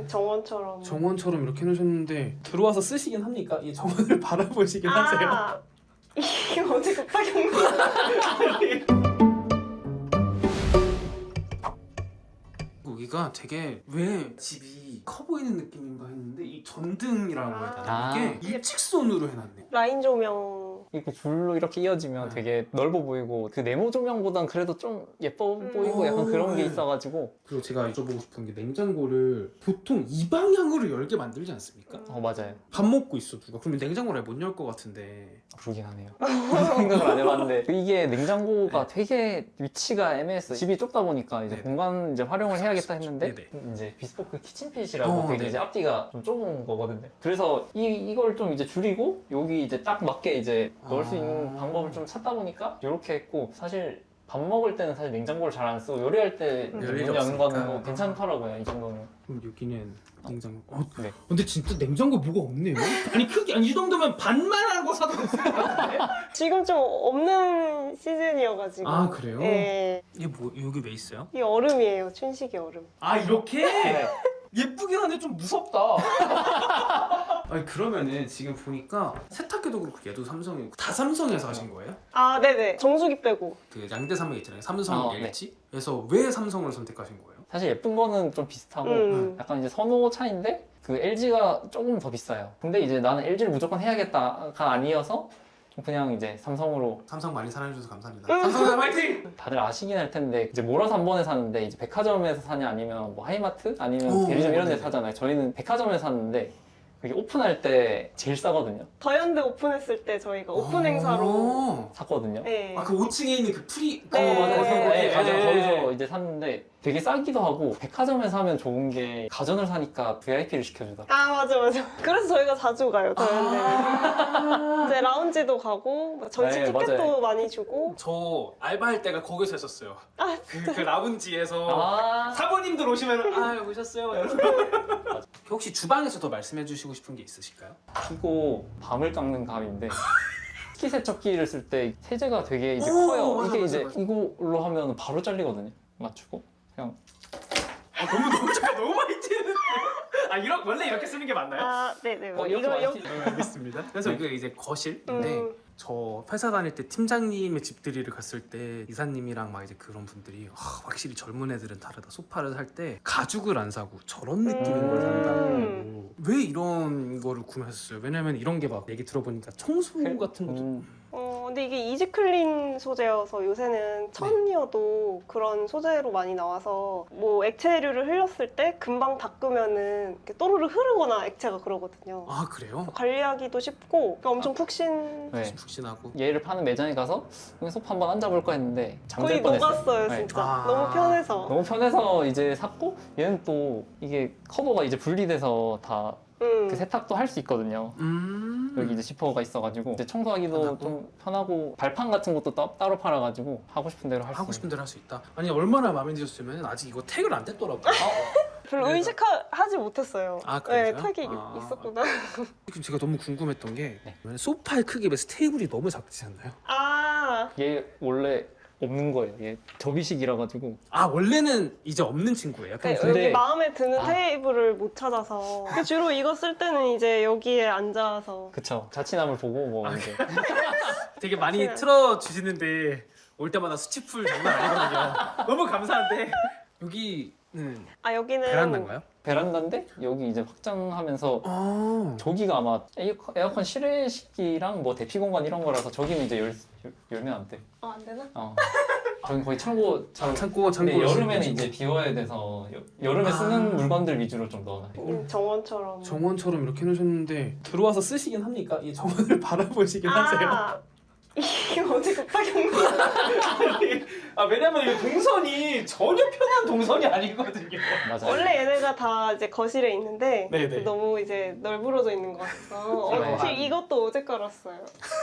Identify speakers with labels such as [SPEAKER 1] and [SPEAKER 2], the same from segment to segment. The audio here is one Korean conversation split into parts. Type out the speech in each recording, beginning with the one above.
[SPEAKER 1] 정원처럼 이렇게 해놓으셨는데 들어와서 쓰시긴 합니까? 이 정원을 바라보시긴 하세요?
[SPEAKER 2] 이게 어제 급하게 온 거야.
[SPEAKER 1] 여기가 되게 왜 집이 커 보이는 느낌인가 했는데 이 전등이라고 해야 되나? 이게 일직선으로 해놨네.
[SPEAKER 2] 라인 조명.
[SPEAKER 3] 이거 줄로 이렇게 이어지면 되게 넓어 보이고 그 네모 조명보단 그래도 좀 예뻐 보이고 약간 그런 게 있어가지고.
[SPEAKER 1] 그리고 제가 여쭤보고 싶은 게 냉장고를 보통 이 방향으로 열게 만들지 않습니까?
[SPEAKER 3] 맞아요.
[SPEAKER 1] 밥 먹고 있어 누가 그러면 냉장고를 못 열 것 같은데.
[SPEAKER 3] 그러긴 하네요. 생각을 안 해봤는데 이게 냉장고가 되게 위치가 애매했어요. 집이 좁다 보니까 이제 공간 이제 활용을 해야겠다 했는데 이제 비스포크 키친핏이라고 되게 이제 앞뒤가 좀 좁은 거거든요. 그래서 이걸 좀 이제 줄이고 여기 이제 딱 맞게 이제 넣을 수 있는 방법을 좀 찾다 보니까 이렇게 했고, 사실 밥 먹을 때는 사실 냉장고를 잘 안 쓰고 요리할 때 문 여는 거는 괜찮더라고요. 이 정도는.
[SPEAKER 1] 그럼 여기는 냉장고.
[SPEAKER 3] 네.
[SPEAKER 1] 근데 진짜 냉장고 뭐가 없네요. 아니 크게 이 정도면 반만 하고 사도 됐을 것 같은데.
[SPEAKER 2] 지금 좀 없는 시즌이어가지고.
[SPEAKER 1] 아 그래요?
[SPEAKER 2] 네.
[SPEAKER 1] 이게 뭐 여기 왜 있어요?
[SPEAKER 2] 이 얼음이에요. 춘식이 얼음.
[SPEAKER 1] 아 이렇게? 예쁘긴 한데 좀 무섭다. 아니 그러면은 지금 보니까 세탁기도 그렇고 얘도 삼성이고 다 삼성에서 하신 거예요?
[SPEAKER 2] 아 네네. 정수기 빼고.
[SPEAKER 1] 그 양대 산맥 있잖아요. 삼성,
[SPEAKER 3] 네.
[SPEAKER 1] LG. 그래서 왜 삼성을 선택하신 거예요?
[SPEAKER 3] 사실 예쁜 거는 좀 비슷하고 약간 이제 선호 차인데 그 LG가 조금 더 비싸요. 근데 이제 나는 LG를 무조건 해야겠다가 아니어서 그냥 이제 삼성으로.
[SPEAKER 1] 삼성 많이 사랑해주셔서 감사합니다. 삼성사 화이팅!
[SPEAKER 3] 다들 아시긴 할 텐데 이제 몰아서 한 번에 사는데 이제 백화점에서 사냐 아니면 뭐 하이마트 아니면 대리점 이런 데 사잖아요. 저희는 백화점에서 샀는데 그게 오픈할 때 제일 싸거든요.
[SPEAKER 2] 더현대 오픈했을 때 저희가 오픈 행사로
[SPEAKER 3] 샀거든요.
[SPEAKER 2] 네.
[SPEAKER 1] 아 그 5층에 있는 그 프리.
[SPEAKER 2] 네.
[SPEAKER 3] 네, 맞아요.
[SPEAKER 1] 네.
[SPEAKER 3] 거기서 이제 샀는데 되게 싸기도 하고, 백화점에서 하면 좋은 게 가전을 사니까 VIP를 시켜주더라고요.
[SPEAKER 2] 아 맞아. 그래서 저희가 자주 가요. 더현대는. 이제 라운지도 가고 저희 집
[SPEAKER 3] 네,
[SPEAKER 2] 티켓도
[SPEAKER 3] 맞아요.
[SPEAKER 2] 많이 주고.
[SPEAKER 1] 저 알바할 때가 거기서 했었어요. 그 라운지에서
[SPEAKER 3] 아,
[SPEAKER 1] 사모님들 오시면 아 오셨어요. 혹시 주방에서도 말씀해 주시고 싶은 게 있으실까요?
[SPEAKER 3] 키고 밤을 깎는 감인데 식기세척기를 쓸 때 세제가 되게 이제
[SPEAKER 1] 오,
[SPEAKER 3] 커요.
[SPEAKER 1] 맞아,
[SPEAKER 3] 이게
[SPEAKER 1] 맞아,
[SPEAKER 3] 이제
[SPEAKER 1] 맞아.
[SPEAKER 3] 이걸로 하면 바로 잘리거든요. 맞추고 그냥.
[SPEAKER 1] 너무 잠깐 너무 많이 튀는데. 아 이런 원래 이렇게 쓰는 게 맞나요?
[SPEAKER 2] 아 네네.
[SPEAKER 3] 이렇게 많이
[SPEAKER 2] 여기.
[SPEAKER 1] 알겠습니다. 그래서 이게 이제 거실인데 저 회사 다닐 때 팀장님의 집들이를 갔을 때 이사님이랑 막 이제 그런 분들이 확실히 젊은 애들은 다르다. 소파를 살 때 가죽을 안 사고 저런 느낌인 걸 산다고. 왜 이런 거를 구매하셨어요? 왜냐면 이런 게 막 얘기 들어보니까 청소 같은 것도
[SPEAKER 2] 근데 이게 이지클린 소재여서 요새는 천이어도 그런 소재로 많이 나와서 뭐 액체류를 흘렸을 때 금방 닦으면은 이렇게 또르르 흐르거나 액체가 그러거든요.
[SPEAKER 1] 아 그래요?
[SPEAKER 2] 관리하기도 쉽고 엄청 푹신.
[SPEAKER 3] 네.
[SPEAKER 1] 푹신하고.
[SPEAKER 3] 얘를 파는 매장에 가서 여기 소파 한번 앉아볼까 했는데
[SPEAKER 2] 거의
[SPEAKER 3] 잠들 뻔했어요.
[SPEAKER 2] 녹았어요
[SPEAKER 3] 네.
[SPEAKER 2] 진짜.
[SPEAKER 1] 아.
[SPEAKER 2] 너무 편해서.
[SPEAKER 3] 너무 편해서 이제 샀고, 얘는 또 이게 커버가 이제 분리돼서 다 그 세탁도 할 수 있거든요. 여기 이제 지퍼가 있어가지고 이제 청소하기도
[SPEAKER 1] 편하고?
[SPEAKER 3] 좀 편하고, 발판 같은 것도 따로 팔아가지고 하고 싶은 대로 할 수
[SPEAKER 1] 하고 싶은 대로 할 수 있다. 아니 얼마나 마음에 드셨으면 아직 이거 태그를 안 뗐더라고요.
[SPEAKER 2] 별로
[SPEAKER 1] 그래서-
[SPEAKER 2] 의식하지 못했어요.
[SPEAKER 1] 아, 그래요?
[SPEAKER 2] 네, 탁이
[SPEAKER 1] 아.
[SPEAKER 2] 있었구나.
[SPEAKER 1] 지금 제가 너무 궁금했던 게
[SPEAKER 3] 네.
[SPEAKER 1] 소파의 크기에 비해서 테이블이 너무 작지 않나요?
[SPEAKER 2] 아,
[SPEAKER 3] 얘 원래 없는 거예요. 얘 접이식이라 가지고.
[SPEAKER 1] 아 원래는 이제 없는 친구예요?
[SPEAKER 2] 네,
[SPEAKER 3] 근데-
[SPEAKER 2] 여기 마음에 드는
[SPEAKER 3] 아.
[SPEAKER 2] 테이블을 못 찾아서 주로 이거 쓸 때는 이제 여기에 앉아서.
[SPEAKER 3] 그쵸. 자취남을 보고 뭐 이제.
[SPEAKER 1] 되게 많이
[SPEAKER 2] 그냥-
[SPEAKER 1] 틀어주시는데 올 때마다 수치풀 장난 아니거든요. 너무 감사한데 여기는
[SPEAKER 2] 아 여기는
[SPEAKER 1] 베란다인가요?
[SPEAKER 3] 베란다인데 여기 이제 확장하면서
[SPEAKER 1] 아
[SPEAKER 3] 저기가 아마 에어컨 실외식이랑 뭐 대피 공간 이런 거라서 저기는 이제 열면 안 돼.
[SPEAKER 2] 안 되나?
[SPEAKER 3] 저기 거의 창고처럼.
[SPEAKER 1] 창고
[SPEAKER 3] 근데 여름에는 이제 비워야 돼서 여름에 쓰는 물건들 위주로 좀 넣어놔요.
[SPEAKER 2] 정원처럼.
[SPEAKER 1] 정원처럼 이렇게 해놓으셨는데 들어와서 쓰시긴 합니까? 이 정원을 바라보시긴 하세요?
[SPEAKER 2] 아, 이게 어제 급하게 온 거야.
[SPEAKER 1] 아 왜냐면 이 동선이 전혀 편한 동선이 아니거든요.
[SPEAKER 3] 맞아요.
[SPEAKER 2] 원래 얘네가 다 이제 거실에 있는데
[SPEAKER 1] 네네.
[SPEAKER 2] 너무 이제 널브러져 있는 것 같아서
[SPEAKER 3] 네.
[SPEAKER 2] 사실 이것도 어제 깔았어요.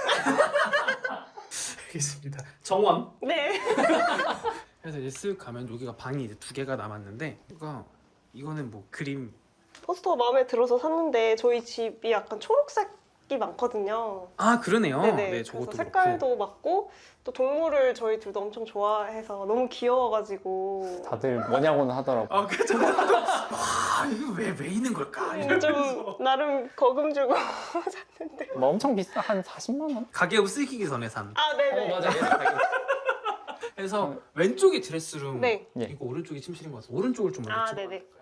[SPEAKER 1] 알겠습니다. 정원.
[SPEAKER 2] 네.
[SPEAKER 1] 그래서 이제 쓱 가면 여기가 방이 이제 2개가 남았는데 이거는 뭐 그림.
[SPEAKER 2] 포스터가 마음에 들어서 샀는데 저희 집이 약간 초록색 각기 많거든요.
[SPEAKER 1] 아 그러네요.
[SPEAKER 2] 네네.
[SPEAKER 1] 네,
[SPEAKER 2] 그래서
[SPEAKER 1] 저것도
[SPEAKER 2] 색깔도 맞고 또 동물을 저희 둘도 엄청 좋아해서 너무 귀여워가지고
[SPEAKER 3] 다들 뭐냐고는 하더라고.
[SPEAKER 1] 아 그죠. 와 이거 왜 있는 걸까? 이러면서
[SPEAKER 2] 좀 나름 거금 주고 샀는데.
[SPEAKER 3] 뭐 엄청 비싸, 한 40만 원?
[SPEAKER 1] 가계부 쓰기 전에 산.
[SPEAKER 2] 아 네네.
[SPEAKER 1] 그래서 왼쪽이 드레스룸,
[SPEAKER 2] 네.
[SPEAKER 3] 예.
[SPEAKER 1] 이거 오른쪽이 침실인 것 같아서 오른쪽을 좀 먼저
[SPEAKER 2] 아
[SPEAKER 1] 찍어볼까요?
[SPEAKER 2] 네네.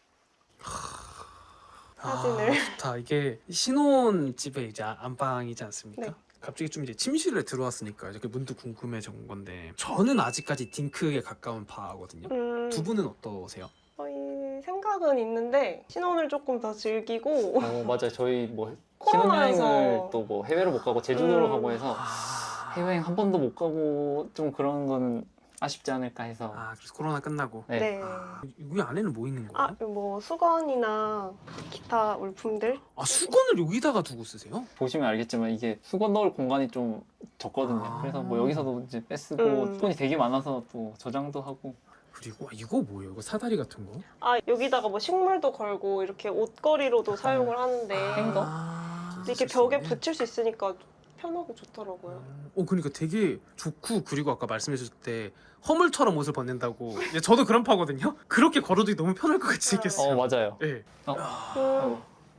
[SPEAKER 2] 사진을.
[SPEAKER 1] 아, 좋다. 이게 신혼집의 이제 안방이지 않습니까?
[SPEAKER 2] 네.
[SPEAKER 1] 갑자기 좀 이제 침실에 들어왔으니까 이렇게 문득 궁금해진 건데 저는 아직까지 딩크에 가까운 바거든요. 두 분은 어떠세요?
[SPEAKER 2] 저희 생각은 있는데 신혼을 조금 더 즐기고
[SPEAKER 3] 맞아요. 저희 뭐
[SPEAKER 2] 코로나여서.
[SPEAKER 3] 신혼여행을 또 뭐 해외로 못 가고 제주도로 가고 해서
[SPEAKER 1] 아,
[SPEAKER 3] 해외여행 한 번도 못 가고 좀 그런 거는 아쉽지 않을까 해서.
[SPEAKER 1] 그래서 코로나 끝나고
[SPEAKER 3] 네.
[SPEAKER 2] 네.
[SPEAKER 1] 여기 안에는 뭐 있는 거예요?
[SPEAKER 2] 뭐 수건이나 기타 물품들.
[SPEAKER 1] 수건을 여기다가 두고 쓰세요?
[SPEAKER 3] 보시면 알겠지만 이게 수건 넣을 공간이 좀 적거든요.
[SPEAKER 1] 아.
[SPEAKER 3] 그래서 뭐 여기서도 이제 빼쓰고 수건이 되게 많아서 또 저장도 하고.
[SPEAKER 1] 그리고 이거 뭐예요? 이거 사다리 같은 거?
[SPEAKER 2] 여기다가 뭐 식물도 걸고 이렇게 옷걸이로도 사용을 하는데
[SPEAKER 3] 행거?
[SPEAKER 2] 이렇게 벽에 붙일 수 있으니까 편하고 좋더라고요.
[SPEAKER 1] 그러니까 되게 좋고 그리고 아까 말씀해 주실 때 허물처럼 옷을 벗는다고 이제 저도 그런 파거든요. 그렇게 걸어두기 너무 편할 것 같이 생겼어요.
[SPEAKER 3] 맞아요.
[SPEAKER 1] 네.
[SPEAKER 2] 음,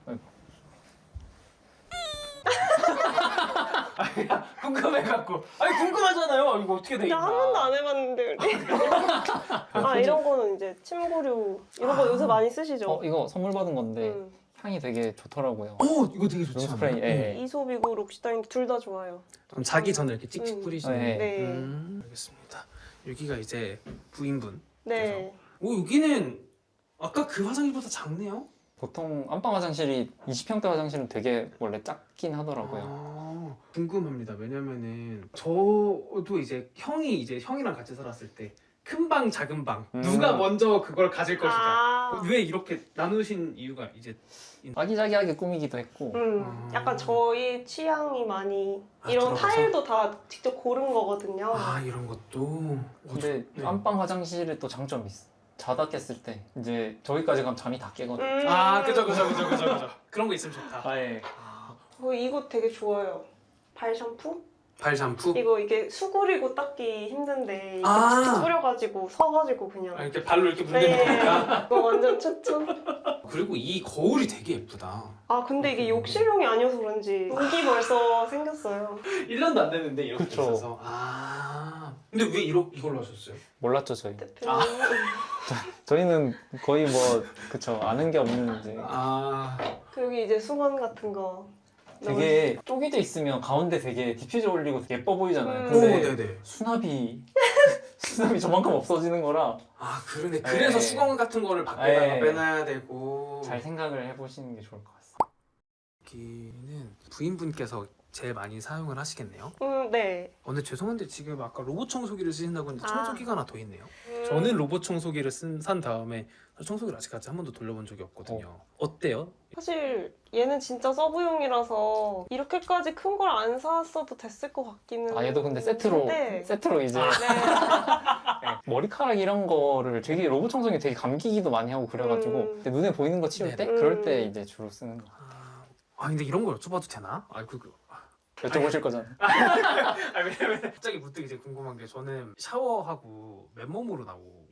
[SPEAKER 1] 궁금해갖고. 아니 궁금하잖아요. 이거 어떻게 돼
[SPEAKER 2] 나 한 번도 안 해봤는데. 이런 거는 이제 침구류 이런 거 요새 많이 쓰시죠?
[SPEAKER 3] 이거 선물 받은 건데
[SPEAKER 2] 음.
[SPEAKER 3] 향이 되게 좋더라고요.
[SPEAKER 1] 이거 되게 좋지
[SPEAKER 3] 룸스프레이.
[SPEAKER 1] 않아요?
[SPEAKER 3] 예.
[SPEAKER 2] 이소비고 록시다인 둘 다 좋아요.
[SPEAKER 1] 그럼 자기 전에 이렇게 찍찍
[SPEAKER 2] 음.
[SPEAKER 1] 뿌리시는.
[SPEAKER 3] 네.
[SPEAKER 2] 네.
[SPEAKER 1] 알겠습니다. 여기가 이제 부인분.
[SPEAKER 2] 네.
[SPEAKER 1] 여기는 아까 그 화장실보다 작네요.
[SPEAKER 3] 보통 안방 화장실이 20평대 화장실은 되게 원래 작긴 하더라고요.
[SPEAKER 1] 궁금합니다. 왜냐면은 저도 이제 형이랑 같이 살았을 때 큰 방, 작은 방 누가 먼저 그걸 가질 것이다. 왜 이렇게 나누신 이유가 이제
[SPEAKER 3] 아기자기하게 꾸미기도 했고.
[SPEAKER 2] 약간 저희 취향이 많이 이런
[SPEAKER 1] 들어가서?
[SPEAKER 2] 타일도 다 직접 고른 거거든요.
[SPEAKER 1] 이런 것도.
[SPEAKER 3] 근데
[SPEAKER 1] 네.
[SPEAKER 3] 안방 화장실에 또 장점이 있어. 자다 깼을 때 이제 저기까지 가면 잠이 다 깨거든.
[SPEAKER 1] 그죠. 그런 거 있으면 좋다.
[SPEAKER 3] 예.
[SPEAKER 2] 이거 되게 좋아요. 발 샴푸?
[SPEAKER 1] 발 샴푸?
[SPEAKER 2] 이게 수그리고 닦기 힘든데 이렇게
[SPEAKER 1] 아.
[SPEAKER 2] 툭툭 뿌려가지고 서가지고 그냥.
[SPEAKER 1] 이렇게 발로 이렇게 문대는 거니까.
[SPEAKER 2] 이거 완전 추천.
[SPEAKER 1] 그리고 이 거울이 되게 예쁘다.
[SPEAKER 2] 근데 이게 욕실용이 아니어서 그런지 여기 벌써 생겼어요.
[SPEAKER 1] 1년도 안 됐는데 이렇게
[SPEAKER 3] 그쵸.
[SPEAKER 1] 있어서. 근데 왜 이걸로 하셨어요?
[SPEAKER 3] 몰랐죠 저희.
[SPEAKER 2] 대표님.
[SPEAKER 3] 저희는 거의 뭐 그쵸 아는 게 없는 이제
[SPEAKER 2] 그리고 여기 이제 수건 같은 거.
[SPEAKER 3] 되게 쪼개져 있으면 가운데 되게 디퓨저 올리고 되게 예뻐 보이잖아요.
[SPEAKER 2] 음.
[SPEAKER 3] 근데
[SPEAKER 1] 네네.
[SPEAKER 3] 수납이 저만큼 없어지는 거라
[SPEAKER 1] 그러네. 그래서
[SPEAKER 3] 네.
[SPEAKER 1] 수건 같은 거를 밖에다가
[SPEAKER 3] 네.
[SPEAKER 1] 빼놔야 되고.
[SPEAKER 3] 잘 생각을 해보시는 게 좋을 것 같습니다.
[SPEAKER 1] 여기는 부인분께서 제일 많이 사용을 하시겠네요.
[SPEAKER 2] 네.
[SPEAKER 1] 근데 죄송한데 지금 아까 로봇 청소기를 쓰신다고 했는데 청소기가 하나 더 있네요.
[SPEAKER 2] 음.
[SPEAKER 1] 저는 로봇 청소기를 산 다음에 청소기를 아직까지 한 번도 돌려본 적이 없거든요. 어때요?
[SPEAKER 2] 사실 얘는 진짜 서브용이라서 이렇게까지 큰 걸 안 샀어도 됐을 것 같기는.
[SPEAKER 3] 얘도 근데 세트로
[SPEAKER 2] 한데.
[SPEAKER 3] 이제
[SPEAKER 2] 네.
[SPEAKER 3] 머리카락 이런 거를 되게 로봇 청소기 되게 감기기도 많이 하고 그래가지고 근데 눈에 보이는 거 치울 때
[SPEAKER 1] 네네.
[SPEAKER 3] 그럴 때 이제 주로 쓰는 거.
[SPEAKER 1] 근데 이런 걸 여쭤봐도 되나?
[SPEAKER 3] 여쭤보실 거잖아.
[SPEAKER 1] 왜냐면 갑자기 문득 이제 궁금한 게 저는 샤워하고 맨몸으로 나오고.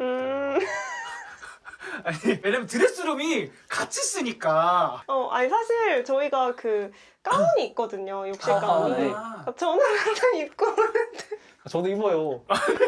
[SPEAKER 1] 왜냐면 드레스룸이 같이 쓰니까.
[SPEAKER 2] 사실 저희가 그 가운이 있거든요. 욕실 가운이.
[SPEAKER 3] 네.
[SPEAKER 2] 저는 항상 입고.
[SPEAKER 3] 저도 입어요.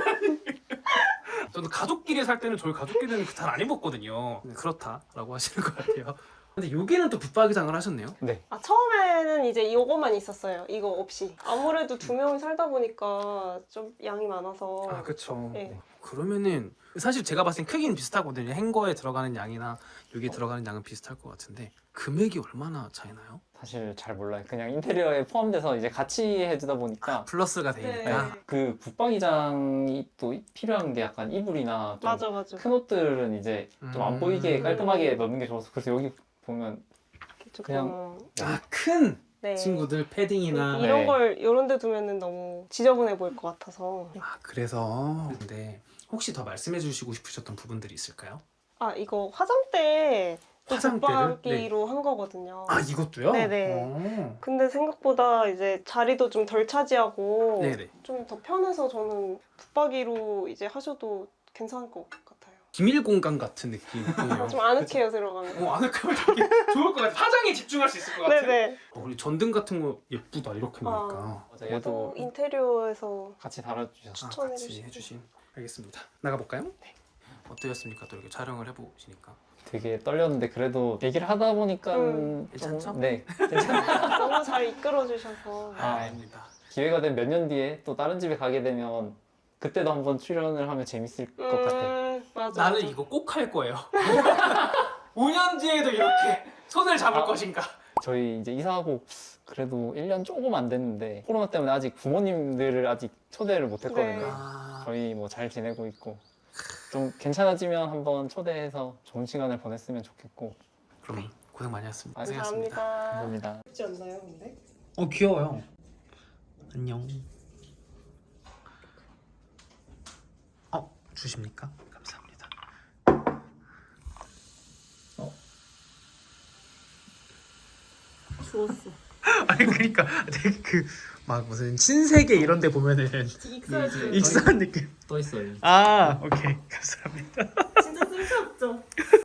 [SPEAKER 1] 저도 가족끼리 살 때는 저희 가족끼리는 잘 안 입었거든요. 그렇다라고 하시는 것 같아요. 근데 여기는 또 붙박이장을 하셨네요.
[SPEAKER 3] 네.
[SPEAKER 2] 처음에는 이제 이거만 있었어요. 이거 없이. 아무래도 두 명이 살다 보니까 좀 양이 많아서.
[SPEAKER 1] 그렇죠.
[SPEAKER 2] 네.
[SPEAKER 1] 그러면은 사실 제가 봤을 땐 크기는 비슷하거든요. 행거에 들어가는 양이나 여기 들어가는 양은 비슷할 것 같은데 금액이 얼마나 차이나요?
[SPEAKER 3] 사실 잘 몰라요. 그냥 인테리어에 포함돼서 이제 같이 해주다 보니까
[SPEAKER 1] 플러스가 되니까.
[SPEAKER 2] 네.
[SPEAKER 3] 그 붙박이장이 또 필요한 게 약간 이불이나 좀
[SPEAKER 2] 맞아.
[SPEAKER 3] 큰 옷들은 이제 좀 안 보이게 깔끔하게 넣는 게 좋아서 그래서 여기 보면 그냥
[SPEAKER 1] 큰
[SPEAKER 2] 네.
[SPEAKER 1] 친구들 패딩이나
[SPEAKER 2] 이런
[SPEAKER 3] 네.
[SPEAKER 2] 걸 이런 데 두면은 너무 지저분해 보일 것 같아서.
[SPEAKER 1] 그래서 근데 혹시 더 말씀해 주시고 싶으셨던 부분들이 있을까요?
[SPEAKER 2] 이거 화장대 또
[SPEAKER 1] 화장대를?
[SPEAKER 2] 붙박이로 한 거거든요.
[SPEAKER 1] 아 이것도요?
[SPEAKER 2] 네네. 근데 생각보다 이제 자리도 좀 덜 차지하고
[SPEAKER 1] 네네.
[SPEAKER 2] 좀 더 편해서 저는 붙박이로 이제 하셔도 괜찮을 것 같아요.
[SPEAKER 1] 기밀 공간 같은 느낌이에요.
[SPEAKER 2] 좀 아늑해요 들어가면.
[SPEAKER 1] 아늑하면 되게 좋을 것 같아. 화장에 집중할 수 있을 것 같아.
[SPEAKER 2] 네네.
[SPEAKER 1] 우리 전등 같은 거 예쁘다 이렇게 보니까.
[SPEAKER 3] 맞아,
[SPEAKER 2] 또
[SPEAKER 3] 얘도
[SPEAKER 2] 인테리어에서
[SPEAKER 3] 같이 달아주셨어.
[SPEAKER 2] 추천해
[SPEAKER 1] 같이
[SPEAKER 2] 주시고.
[SPEAKER 1] 해주신. 알겠습니다. 나가볼까요? 네. 어떠셨습니까? 또 이렇게 촬영을 해보시니까.
[SPEAKER 3] 되게 떨렸는데 그래도 얘기를 하다 보니까 좀-
[SPEAKER 1] 괜찮죠?
[SPEAKER 3] 네, 괜찮아요.
[SPEAKER 2] 너무 잘 이끌어 주셔서.
[SPEAKER 1] 아닙니다.
[SPEAKER 3] 기회가 되면 몇 년 뒤에 또 다른 집에 가게 되면 그때도 한번 출연을 하면 재밌을 것 같아요.
[SPEAKER 2] 맞아.
[SPEAKER 1] 나는
[SPEAKER 2] 맞아.
[SPEAKER 1] 이거 꼭 할 거예요. 5년 뒤에도 이렇게 손을 잡을
[SPEAKER 3] 아.
[SPEAKER 1] 것인가?
[SPEAKER 3] 저희 이제 이사하고 그래도 1년 조금 안 됐는데 코로나 때문에 아직 부모님들을 아직 초대를 못 했거든요.
[SPEAKER 2] 네.
[SPEAKER 3] 저희 뭐 잘 지내고 있고 좀 괜찮아지면 한번 초대해서 좋은 시간을 보냈으면 좋겠고.
[SPEAKER 1] 그럼 고생 많이 하셨습니다. 고생하셨습니다.
[SPEAKER 2] 감사합니다.
[SPEAKER 3] 감사합니다.
[SPEAKER 2] 쉽지 않나요, 근데?
[SPEAKER 1] 귀여워요. 안녕. 주십니까? 감사합니다.
[SPEAKER 2] 주웠어.
[SPEAKER 1] 아니 그러니까 되게 그 막 무슨 신세계 이런 데 보면은
[SPEAKER 2] 익사했어요.
[SPEAKER 1] 익사한 느낌.
[SPEAKER 3] 또 있어요.
[SPEAKER 1] 아 오케이 감사합니다.
[SPEAKER 2] 진짜 쓸데없죠.